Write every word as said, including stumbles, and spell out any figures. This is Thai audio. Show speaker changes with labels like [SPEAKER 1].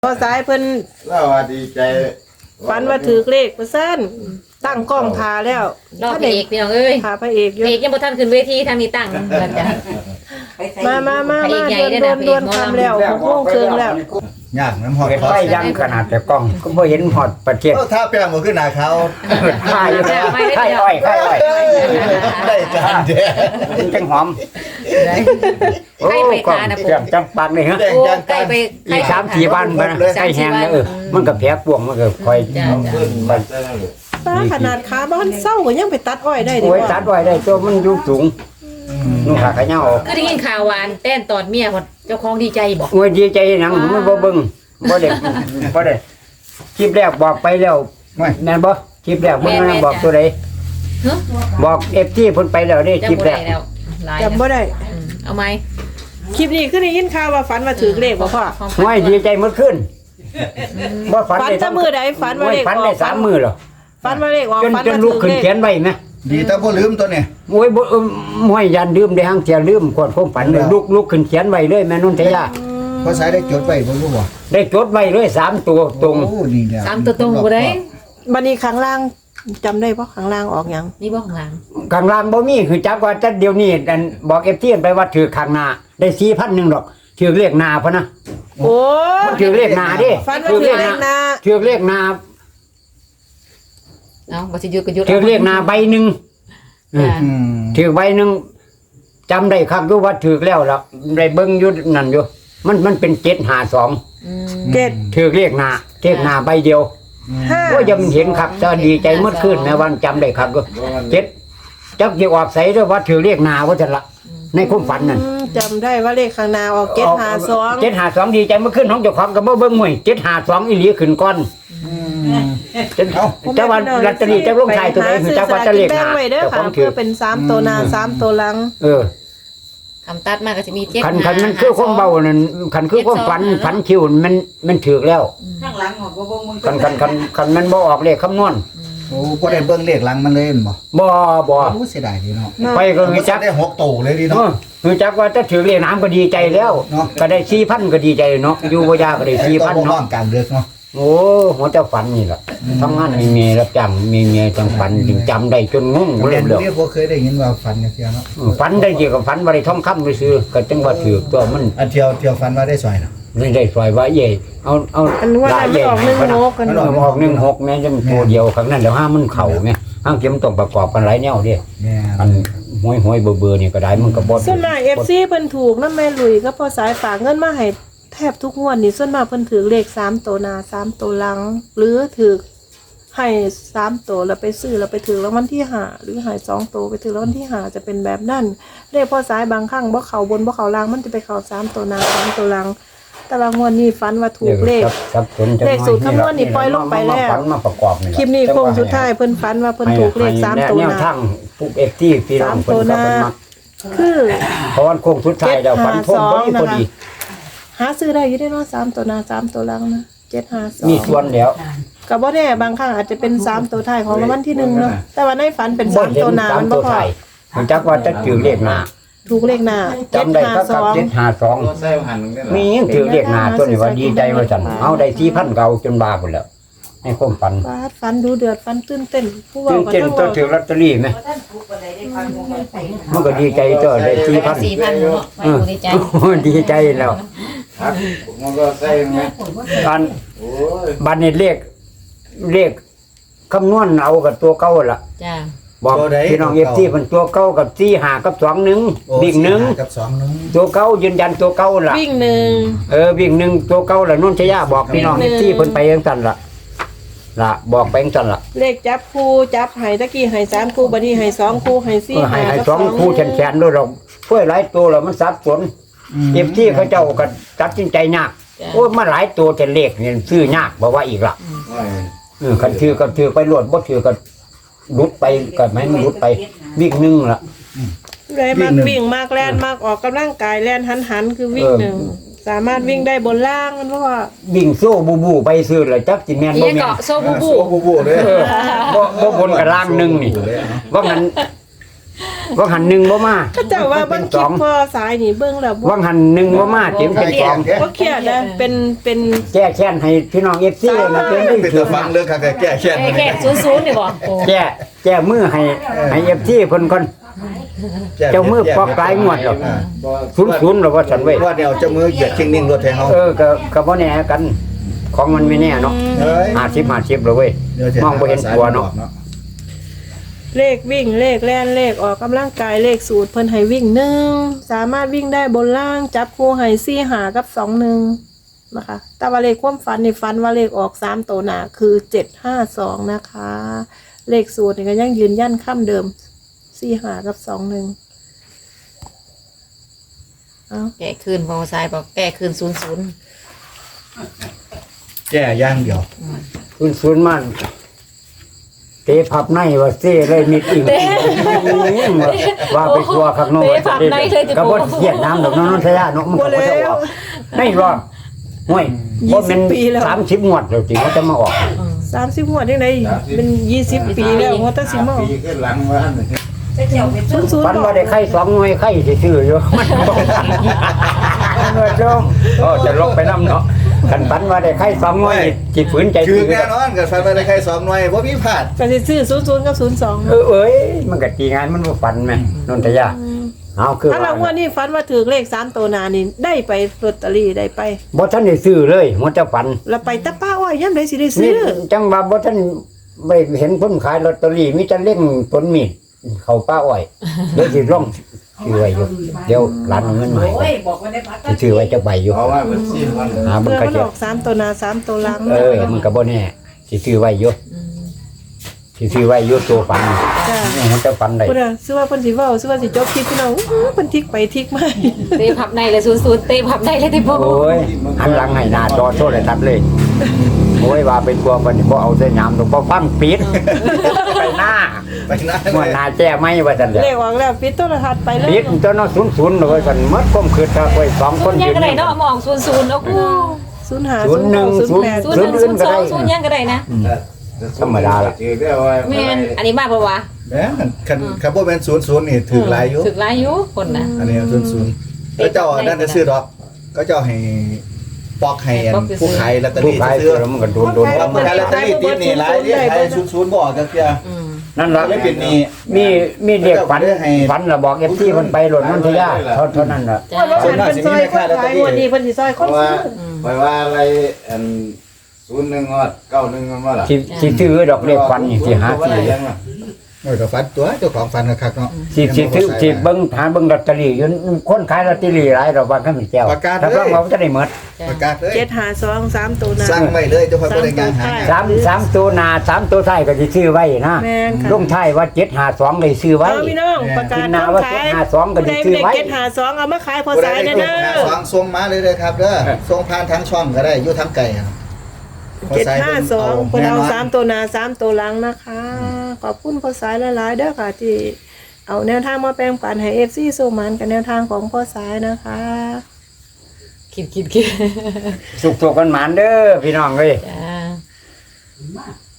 [SPEAKER 1] พอสายเพิ่น
[SPEAKER 2] เราว่าดีใจ
[SPEAKER 1] ฝันว่าถือเลขประสั้นตั้งกล้องทาแล้ว
[SPEAKER 3] รอบพระเอกพี่น้องเอ้ย
[SPEAKER 1] ทาพระเอกอ
[SPEAKER 3] พ
[SPEAKER 1] ยู่
[SPEAKER 3] ระเอกยังบ่ทันขึ้นเวทีทางนี้ตั้งกันจ้ะ
[SPEAKER 1] มามามา
[SPEAKER 3] พระเอ
[SPEAKER 1] มาก
[SPEAKER 3] ใหญ่
[SPEAKER 1] ดวน
[SPEAKER 3] ได้
[SPEAKER 1] ดว
[SPEAKER 3] นะ
[SPEAKER 1] น
[SPEAKER 3] พระ
[SPEAKER 1] ด
[SPEAKER 3] เอ
[SPEAKER 1] วน
[SPEAKER 3] กหมอลำ
[SPEAKER 1] คำแล้วหกโมงครึ่งแล้ว
[SPEAKER 2] ย่างน้ำหอด
[SPEAKER 4] เห็นไฟยังขนาดแต่กล้องก็บ่เห็นหอดประเทศ
[SPEAKER 2] เออถ้าแป้งมันขึ้นหนาเขา
[SPEAKER 4] ไข่ไข่อ้อยไข่อ้อย
[SPEAKER 2] ได้การแดง
[SPEAKER 4] มันจังหอม
[SPEAKER 3] ใกล้ไปทานนะ
[SPEAKER 4] เตรียมจังปังเลยฮะ
[SPEAKER 2] แดง
[SPEAKER 3] โอ้
[SPEAKER 2] จัง
[SPEAKER 3] ใกล้ไป
[SPEAKER 4] อีกสามสี่วันมันใกล้แห้งแล้วเออมันก็แผลปวงมันก็คอย
[SPEAKER 3] จ้ะ
[SPEAKER 2] ขึ้นมาได้เลย
[SPEAKER 1] ป้าขนาดขาบ้านเศร้าก็ยังไปตัดอ้อยได้ดี
[SPEAKER 4] โอ้ย
[SPEAKER 1] ก
[SPEAKER 4] ตั
[SPEAKER 1] ว่า
[SPEAKER 4] ดไว้ได้ตัวมันอยู่สูงนุ่งขาขะเหย้าออก
[SPEAKER 3] ก็ได้ยินข่าวหวานเต้นตอนเมียคนเจ้าของดีใจบอก
[SPEAKER 4] โอ้ยดีใจหนังมันบ่เบิ่งบ่ได้บ่ได้คลิปแรกบอกไปแล้วแม่นบ่คลิปแรกมันมันบอกตัวใด
[SPEAKER 3] เฮ้ย
[SPEAKER 4] บอก เอฟ ซี เพิ่นไปแล้วเด้คลิป
[SPEAKER 3] จำบ่
[SPEAKER 4] แร
[SPEAKER 3] ได้
[SPEAKER 4] ก
[SPEAKER 3] แล้วหลาย
[SPEAKER 1] จำบ่ได้
[SPEAKER 3] อืมเอาไหม
[SPEAKER 1] คลิปนี้คือได้ยินข่าวว่าฝันว่าถือเลขบ่พ่อ
[SPEAKER 3] ของ
[SPEAKER 4] โอ้ยดีใจหมดขึ้นบ่ฝัน
[SPEAKER 1] ฝัน
[SPEAKER 4] ได้
[SPEAKER 1] จะมือใดฝันว่าเลข
[SPEAKER 4] ฝัน
[SPEAKER 1] อ
[SPEAKER 4] ได้
[SPEAKER 1] อก
[SPEAKER 4] สามมื้อแล้ว
[SPEAKER 1] ฝันว่าเลขออก
[SPEAKER 4] จน
[SPEAKER 1] ฝัน
[SPEAKER 4] จน
[SPEAKER 1] ว่า
[SPEAKER 4] ลุก
[SPEAKER 1] ถื
[SPEAKER 4] ขึ้
[SPEAKER 1] อน เลข
[SPEAKER 4] เขียนไว้ไหม
[SPEAKER 2] ดีแต่บ่ลืมตัวเนี่ย
[SPEAKER 4] โอ้ยบ่เอิ่มห้วยยันลืมได้หังเสียลืมก่อนผมฝันเลยลุกลุกขึ้นเขียนไว้เลยแม่นุ่นทยา
[SPEAKER 2] เพราะสายได้จดไปบ่รู้บ่
[SPEAKER 4] ได้จดไว้เลยสามตัวตรง
[SPEAKER 2] โอ้นี่แหละ
[SPEAKER 3] สามตัวตรงบ่ได้
[SPEAKER 1] บัดนี้ข้างล่างจำได้บ่ข้างล่างออกหยัง
[SPEAKER 3] นี่บ่ของหลัง
[SPEAKER 4] ข้างล่างบ่มีคือจักว่าแต่เดี๋ยวนี้อันบอก เอฟ ซี ไปว่าถือข้างหน้าได้ สี่พัน นึงดอกถือเลขหน้าพะนะ
[SPEAKER 1] โอ้
[SPEAKER 4] มันถือเลขหน้าดิ
[SPEAKER 1] ฝันว่าถือเลขหน้า
[SPEAKER 4] ถือเลขหน้า
[SPEAKER 3] เอ้าบ่สิหยุดก็หยุด
[SPEAKER 4] ถือเลขหน้าใบหนึง
[SPEAKER 3] จ้ะ
[SPEAKER 2] อืม
[SPEAKER 4] ถือใบหนึงจำได้ครับอยู่ว่าถือแล้วล่ะได้เบิ่งอยู่นั่นอยู่มันมันเป็นเจ็ดห้าสอง
[SPEAKER 3] อืม
[SPEAKER 1] เจ็ด
[SPEAKER 4] ถือเลขหน้าเลขหน้าใบเดียว
[SPEAKER 1] ห้า
[SPEAKER 4] โอ้ยยังเห็นครับจะดีใจเมื่อคืนนะวันจำได้ครับก็เจ็ดจักจะออกใส่ด้วยว่าถือเรียกนาว่าจะละในความฝันนั่น
[SPEAKER 1] อืมจำได้ว่าเลขข้างหน้าออกเจ็ดห้าสอง
[SPEAKER 4] เจ็ดหาสองดีใจเมื่อคืนของเจ้าของกับเบิ้งมวยเจ็ดหาสองอีหลีขึ้นก้อนเจ้าวันลอตเตอรี่เจ้าลงชายตัวไหนคือเจ้าว่าจะเรียก
[SPEAKER 1] แบ่
[SPEAKER 4] นาง
[SPEAKER 1] ไว้เด้อ
[SPEAKER 4] เจ้าข
[SPEAKER 1] ค่ะ
[SPEAKER 4] องถื
[SPEAKER 1] เพื่
[SPEAKER 4] อ
[SPEAKER 1] อเป็นสามตัวหน้าสามตัวหลัง
[SPEAKER 4] เออ
[SPEAKER 3] คำตัดมาก็สิมีเจ็ด
[SPEAKER 4] ขันขันมันคือความเบานั่นขันคือความฝันฝันคิวมันมันถือแล้ว
[SPEAKER 5] ข้างหลังของบ่บ่มึง
[SPEAKER 4] ขันขันขันขันมันบ่ออกเลขคำนวณ
[SPEAKER 2] โอ้บ่ได้เบิ่งเลขหลังมันเลยแม่นบ่
[SPEAKER 4] บ่บ่
[SPEAKER 2] โอ้เสียดายดีเนาะ
[SPEAKER 4] ไปก็
[SPEAKER 2] มั
[SPEAKER 4] คือน จัก
[SPEAKER 2] ได้หกโตเลยดี
[SPEAKER 4] เอ
[SPEAKER 2] เนาะ
[SPEAKER 4] อคือจักว่าจะถือเลขน้ำก็ดีใจแล้ว
[SPEAKER 2] เนาะ
[SPEAKER 4] ก็ได้สี่พันก็ดีใจเนาะอยู่บ่ยากก็ได้สี่
[SPEAKER 2] ต้
[SPEAKER 4] พั
[SPEAKER 2] อน งบ่ร้อ
[SPEAKER 4] เนาะ
[SPEAKER 2] งกลางเดือกเนาะ
[SPEAKER 4] โอ้หัวเจ้าฝันนี่แหละทำงานมีเมียรับจ้างมีเมียจังฝันจึงจำได้จนงง
[SPEAKER 2] เรี
[SPEAKER 4] เลย ย
[SPEAKER 2] น
[SPEAKER 4] เลย
[SPEAKER 2] เรียกบ่เคยได้ยินว่าฝันจังซี่เนาะ
[SPEAKER 4] ฝันได้เกี่ยวกับฝันว่าได้ท่องคำไปซื้อก็จังว่าถือตัวมัน
[SPEAKER 2] อันเที่ยวเที่ยวฝันว่าได้ซอยเนาะ
[SPEAKER 4] ไม่ได้สวยว่าเย่เอาเอา
[SPEAKER 1] อันว่ามันออกหนึ่งหกกัน
[SPEAKER 4] มันออกหนึ่งหกแม่จังตัวเดียวครั้งนั้นแล้วห้ามันเข่าไงห้างเก็มต้องประกอบกันหลายแนวเดิ
[SPEAKER 2] แม่
[SPEAKER 4] อันห้อยห้อยเบื่อเบื่อนี่ก็ได้มันก็บด
[SPEAKER 1] ส่วนมากเอฟซีเพิ่นถูกนะแม่ลุยก็พอสายฝากเงินมาให้แทบทุกงวดนี่ส่วนมากเพิ่นถือเลขสามตัวหน้าสามตัวหลัง หรือถือให้สามตัวแล้วไปซื้อแล้วไปถือรางวัลที่ห้าหรือให้สองตัวไปถือรางวัลที่ห้าจะเป็นแบบนั้นเลขพอสายบางครั้งบ่เข้าบนบ่เข้าล่างมันจะไปเข้าสามตัวหน้าสามตัวหลัง แต่ละงวดนี้ฝันว่าถูกเลข
[SPEAKER 4] ครับสนจัง
[SPEAKER 1] เลขสูตรคำนวณนี่ปล่อยลงไปแล้ว
[SPEAKER 4] มาฝันมาประกอบนี่
[SPEAKER 1] คลิปนี้โค้งสุดท้ายเพิ่นฝันว่าเพิ่นถูกเลขสามตัว
[SPEAKER 4] แน
[SPEAKER 1] ห
[SPEAKER 4] ว
[SPEAKER 1] น้า
[SPEAKER 4] ทางปุ๊บเอฟที่พี่น้องเพิ่นก็เป็นมัก
[SPEAKER 1] คือ
[SPEAKER 4] เพราะวันโค้งสุดท้ายแล้วฝันทงพอดีพอดี
[SPEAKER 1] หาซื้อได้อยู่ได้เนาะสามตัวหน้าสามตัวหลังนะเจ็ดห้าสอง
[SPEAKER 4] มีส่วนแล้ว
[SPEAKER 1] กับบ่แน่บางครั้งอาจจะเป็นสามตัวท้ายของรางวัลที่หนึ่งเนาะแต่ว่าในฝันเป็น
[SPEAKER 4] บ่
[SPEAKER 1] สาม
[SPEAKER 4] เห็น
[SPEAKER 1] ตัวหน้า
[SPEAKER 4] สาม
[SPEAKER 1] มัน
[SPEAKER 4] ตั
[SPEAKER 1] บ่
[SPEAKER 4] ว
[SPEAKER 1] พอ
[SPEAKER 4] ไทยมันจักว่าจะถือเลขหน้า
[SPEAKER 1] ถูกเลขหน้าเจ็ด
[SPEAKER 4] จำได้
[SPEAKER 1] ห้า
[SPEAKER 4] ครับ
[SPEAKER 1] ส
[SPEAKER 4] กับ
[SPEAKER 1] อง
[SPEAKER 4] เจ็ดห้าสอง
[SPEAKER 2] ใส่หันกัน
[SPEAKER 4] มียังถือเลขหน้าตัวนี้ว่าดีใจว่าซั่นเอาได้สี่พันเก่าจนบาพุ่นแล้วในความฝัน
[SPEAKER 1] ฟาดฝันดูเดือดฝันตื่นเต้นผู้เว่า
[SPEAKER 4] ตื่น
[SPEAKER 1] ก็
[SPEAKER 4] เต้น
[SPEAKER 1] ต้อง
[SPEAKER 4] ตัว
[SPEAKER 1] เว้า
[SPEAKER 4] ถือลอตเตอรี่ไหม
[SPEAKER 5] ท่านถูกบ่ได้ได้ฟังบ่ไป
[SPEAKER 4] มันก็ดีใจตัวได้สี่พัน
[SPEAKER 3] สี่พันเนาะไม่รู้ดีใจ
[SPEAKER 4] ดีใจแล้ว
[SPEAKER 2] ครับมันก็ใส่ไหม
[SPEAKER 4] อัน
[SPEAKER 2] โอ้ย
[SPEAKER 4] บัดนี้เลขเลขคำนวณเอากับตัวเก่าล่ะ
[SPEAKER 3] จ้า
[SPEAKER 4] บอกพี่น้องเอฟซีมันตัวเก่ากับสี่หากับสองหนึ่ง
[SPEAKER 2] โอ้
[SPEAKER 4] วิ่งหนึ่ง
[SPEAKER 2] กับสองหนึ่ง
[SPEAKER 4] ตัวเก่ายืนยันตัวเก่าล่ะ
[SPEAKER 1] วิ่งหนึ่ง
[SPEAKER 4] เออวิ่งหนึ่งตัวเก่าล่ะนุ่นชยาบอกพี่น้อง
[SPEAKER 1] วิ่
[SPEAKER 4] เอง ฟ
[SPEAKER 1] หนึ่ง
[SPEAKER 4] ซีเพิ่นไปยังสั่นล่ะล่ะบอกไปยังสั่นล่ะ
[SPEAKER 1] เลขจับคู่จับให้ตะกี้ให้สามคู่บัดนี้ให้สองคู่ให้สี่
[SPEAKER 4] เออให้ให้
[SPEAKER 1] กับ
[SPEAKER 4] สองคู่แขนๆด้วยเราช่วยหลายตัวแล้วมันสับสนเอฟซีเขาเจ้าก็ตัดสินใจยากโอ้ยมาหลายตัวแต่เลขเนี่ยซื้อยากบอกว่าอีกล่ะ
[SPEAKER 2] โอ้ย
[SPEAKER 4] เออคันถือก็ถือไปรวดบ่ถือก็รุดไปก็ไม่มันรุดไปวิ่งหนึ่งล่ะ
[SPEAKER 1] เลยมากวิ่งมากแล่นมากออกกำลังกายแล่นหันหันๆคือวิ่ง
[SPEAKER 4] เออ
[SPEAKER 1] หนึ่งสามารถวิ่งได้บนล่างมันเพราะว่า
[SPEAKER 4] วิ่งโซ่บูบูไปซื้อเลยจักสิแม่น
[SPEAKER 3] อี
[SPEAKER 4] บ่
[SPEAKER 3] ก
[SPEAKER 4] แม่น
[SPEAKER 3] เกาะโซบูบู
[SPEAKER 2] โอ้บูบูเลย
[SPEAKER 4] เออบ่บ่บนกับล่างหนึงนี่ว่างั้นว่างหันหนึ่งบ่มา
[SPEAKER 1] ก็เจ้าว่าเบิ่งคลิปพอสายนี่เบิ่งแล้วบ่
[SPEAKER 4] ว่างหันหนึ่งบ่มาเต็มเป็นสอง
[SPEAKER 1] บ่เครียดนะเป็นเป็น
[SPEAKER 4] แก้แค้นให้พี่น้องเอฟซีนะเป็นได้
[SPEAKER 2] เป็น
[SPEAKER 4] ถื
[SPEAKER 2] ตัว
[SPEAKER 4] อ
[SPEAKER 2] ฟังเรื่องการแก้แค้น
[SPEAKER 3] แค่แค่ศูนย์ศูนย์นี่บ่โอ้
[SPEAKER 4] แก้แก้มือให้ให้เอฟซีเพิ่นก่อนเจ้ามือปอกปลายงวดหรอกศูนย์ศูนย์หรอกว่าฉันเว้ย
[SPEAKER 2] ว่าเดี๋ยวเจ้ามือเหยียดชิงนิ่งรถให้เฮา
[SPEAKER 4] เออก็ก็บ่แน่กัน ของมันไม่แน่เนาะ
[SPEAKER 2] เฮ้ย
[SPEAKER 4] ห้าสิบ ห้าสิบเลยเว้ย
[SPEAKER 2] เดี๋ยวจะ
[SPEAKER 4] มองบ่เห็นตัวเนาะ
[SPEAKER 1] เลขวิ่งเลขแล่นเลขออกกำลังกายเลขสูตรเพิ่นให้วิ่งหนึ่งสามารถวิ่งได้บนล่างจับคู่ให้สี่หากับสองหนึ่งนะคะแต่ว่าเลขความฝันในฝันว่าเลขออกสามตัวหนาคือเจ็ดห้าสองนะคะ เลขสูตรนี่ก็ยังยืนยันคำเดิมสี่หากับสองหนึ่งเอา
[SPEAKER 3] แก้คืนพอสายบอกแก้คืนศูนย์ศูนย์
[SPEAKER 2] แก้ย่างเดียว
[SPEAKER 4] ศูนย์ศูนย์มันเตะพับในว่าเซ่เลยมิดอีกว่าไปกลัวข้างนอกก็บ่เสียดน้ำดอกน้องนนทยาเนาะมันก็บ่จะออกไม่รอดห้วยบ่แม่นสามสิบงวดแล้วจริงว่าจะมาออก
[SPEAKER 1] สามสิบหัวดยังไงเป็นยี่สิบปีแล้วหัวตั้งสิบโมง
[SPEAKER 2] ปีขึ้นหลังว่า
[SPEAKER 5] จะเจียวเป็น
[SPEAKER 1] ศูนย์ศูนย์
[SPEAKER 4] ฝัน
[SPEAKER 1] บอก
[SPEAKER 4] ว่าได้ไข่สองหน่วยไข่ซื่อๆอยู่มันบ่เงินจมโอ้จะลงไปนำเนาะคันฝันว่าได้ไข่สองหน่วยจิตฝืนใจ
[SPEAKER 2] คือ
[SPEAKER 4] ซื่อ
[SPEAKER 2] แน่นอนกับฟันไปได้ใครสองหน่วยบ่มีพลาด
[SPEAKER 1] ก็จะซื้อศูนย์ศูนย์กับศูนย์สอง
[SPEAKER 4] เออเอ้ยมันก็ตีงานมันบ่ฝันแม่นนทยาเอาคือ
[SPEAKER 1] ถ้าเราว่านี่ฝันว่าถือเลขสามตัวหนานี่ได้ไปลอตเตอรี่ได้ไป
[SPEAKER 4] บ่ทันได้ซื้อเลยมันจะฝัน
[SPEAKER 1] แล้วไปตะป้าอ้อยย่ำได้สิได้
[SPEAKER 4] นี่
[SPEAKER 1] ซื้อ
[SPEAKER 4] จังว่าบ่ทันไปเห็นคนขายลอตเตอรี่มีแต่เล่งต้นมีดเข้าป้าอ้อยเดี๋ยวสิลงซื้อไว้อยู่เดี๋ยวร้านเอาเงินมาให้
[SPEAKER 5] โอ้ยบอกว่าได้พัก
[SPEAKER 4] สิซื้อไว้จักใบอยู่
[SPEAKER 2] เพราะว่ามันสิ้นวัน
[SPEAKER 4] หามัน
[SPEAKER 1] เพื่อ
[SPEAKER 4] ก็
[SPEAKER 1] มัน
[SPEAKER 4] จะ
[SPEAKER 1] ออกสามตัวหนาสามตัวหลัง
[SPEAKER 4] เออมันก็บ่แน่สิซื้อไว้อยู่สิซื้อไว้อยู่ตัวฝัน
[SPEAKER 1] จ้า
[SPEAKER 4] นี่มันจะฝันได้
[SPEAKER 1] พูดอะซื้อว่าเพิ่นสิเว้าซื้อว่าสิจบคลิปพี่น้องอื้อเพิ่นทิกไปทิกมา
[SPEAKER 3] เตะพับในเลยศูนย์ศูนย์เตะพับในเลยที่พ่อ
[SPEAKER 4] โอ้ยหันหลังให้หน้าจอโทรทัศน์เลยโอ้ยว่าเป็นตัวมันบ่เอาใส่น้ำตรงบ่ฟังปิดไปหน้า
[SPEAKER 2] ไปนะ
[SPEAKER 4] เมื่อหน้าแจ้ไม่ว่าซั่นแหละ
[SPEAKER 1] เลขออกแล้วปิดโทรทัศน์ไปเลย
[SPEAKER 4] ปิดตัวเนาะศูนย์ศูนย์เลยว่าซั่นหมดความคิดถ้าไว้สองคน
[SPEAKER 3] ยัง
[SPEAKER 4] ยืน
[SPEAKER 3] ก็ได้เนาะมองศูนย์ศูนย์โอ้โห
[SPEAKER 1] ศูนย์หา
[SPEAKER 4] ศูนย์หนึ่ง
[SPEAKER 1] ศูนย์แปด
[SPEAKER 3] ศูนย์หนึ่งศูนย์สองศูนย์ยังก็ได้นะ
[SPEAKER 4] ธรรมดาล่ะ
[SPEAKER 3] แม่นอันนี้มากปะวะ
[SPEAKER 2] แม่นคันคันบ่แม่นศูนย์ศูนย์นี่ถือหลายอยู่
[SPEAKER 3] ถึกหลายอยู่คนนะ
[SPEAKER 2] อันนี้ศูนย์ศูนย์ก็เจ้านั่นจะซื้อดอกก็เจ้าให้ปอกให้อันผู้ขายลอตเตอ
[SPEAKER 4] ผู้
[SPEAKER 2] รี่
[SPEAKER 4] ขาย
[SPEAKER 2] ซื้อ
[SPEAKER 4] แล้วมันก็โดนโดน
[SPEAKER 2] ว่าผู้ขายลอตเตอรี่ติดนี่หลายนี่ขายศูนย์ศูนย์บ่จักเที่ย
[SPEAKER 3] อืม
[SPEAKER 4] นั่นล่ะ
[SPEAKER 2] เลยเป็นนี่
[SPEAKER 4] มีมีเด็กฝันฝันแล้วบอก เอฟ ซี เพิ่นไปหล่นนันทยาเท่าเท่านั้นล่ะ
[SPEAKER 3] จ้า
[SPEAKER 1] ว่าเพิ่นเป็นซอยคนขายงวดนี้เพิ่นสิซอย
[SPEAKER 2] เพ
[SPEAKER 1] คน
[SPEAKER 2] ราะว่า
[SPEAKER 1] ซื้อ
[SPEAKER 2] เพราะว่าอะไรอันศูนย์หนึ่งงอดเก้าหนึ่งงอดล่ะ
[SPEAKER 4] สิสิซื้อดอกเลขฝันนี่สิหาซื้อ
[SPEAKER 2] เออก็ฝันตัวเจ้าของฝันคักๆเนาะ
[SPEAKER 4] สิสิซื้อสิเบิ่งหาเบิ่งลอตเตอรี่อยู่คนขายลอตเตอรี่หลายดอกบางคำแก้วถ้าเบิ่งว่าจะได้หมด
[SPEAKER 2] ประกาศเลย
[SPEAKER 1] เจ็ดหาสองสามตัวหนา
[SPEAKER 2] สั่งไว้เลยเจ้าของบ่ได้งานหา
[SPEAKER 4] สามสามตัวหน้าสามตัวท้ายก็สิซื้อไว้นะ
[SPEAKER 1] แม่นค่ะ
[SPEAKER 4] ลงท้ายว่าเจ็ดห้าสองได้ซื้อไว้
[SPEAKER 1] เอาพี่น้องประกาศ
[SPEAKER 4] ขึ้นหน้าว่า
[SPEAKER 1] ขาย
[SPEAKER 4] เจ็ดห้าสองก็
[SPEAKER 1] ผู้ใด
[SPEAKER 4] จะซื้
[SPEAKER 1] ไม่
[SPEAKER 4] อ
[SPEAKER 1] ได้
[SPEAKER 4] ไว้
[SPEAKER 1] เจ็ดหาสองเอามาขายพอ
[SPEAKER 2] ผู้ใด
[SPEAKER 1] สาย
[SPEAKER 2] ได้
[SPEAKER 1] เด้อ
[SPEAKER 2] หา
[SPEAKER 1] เด้อ
[SPEAKER 2] สองส่งมาเลยเลยครับเด้อส่งผ่านทางช่องก็ได้อยู่ทางไกลอะ
[SPEAKER 1] เจ็ดห้าสองเพิ่นเอาสามตัวหนาสามตัวหลังนะคะ ขอบคุณพอสายหลายๆเด้อค่ะที่เอาแนวทางมาแปลงปันให้ เอฟ ซี สู้มันกับแนวทางของพ่อสายนะคะ
[SPEAKER 3] คิดคิดคิด
[SPEAKER 4] สุขๆกันหมานเด้อพี่น้องเอ้ย
[SPEAKER 3] จ้า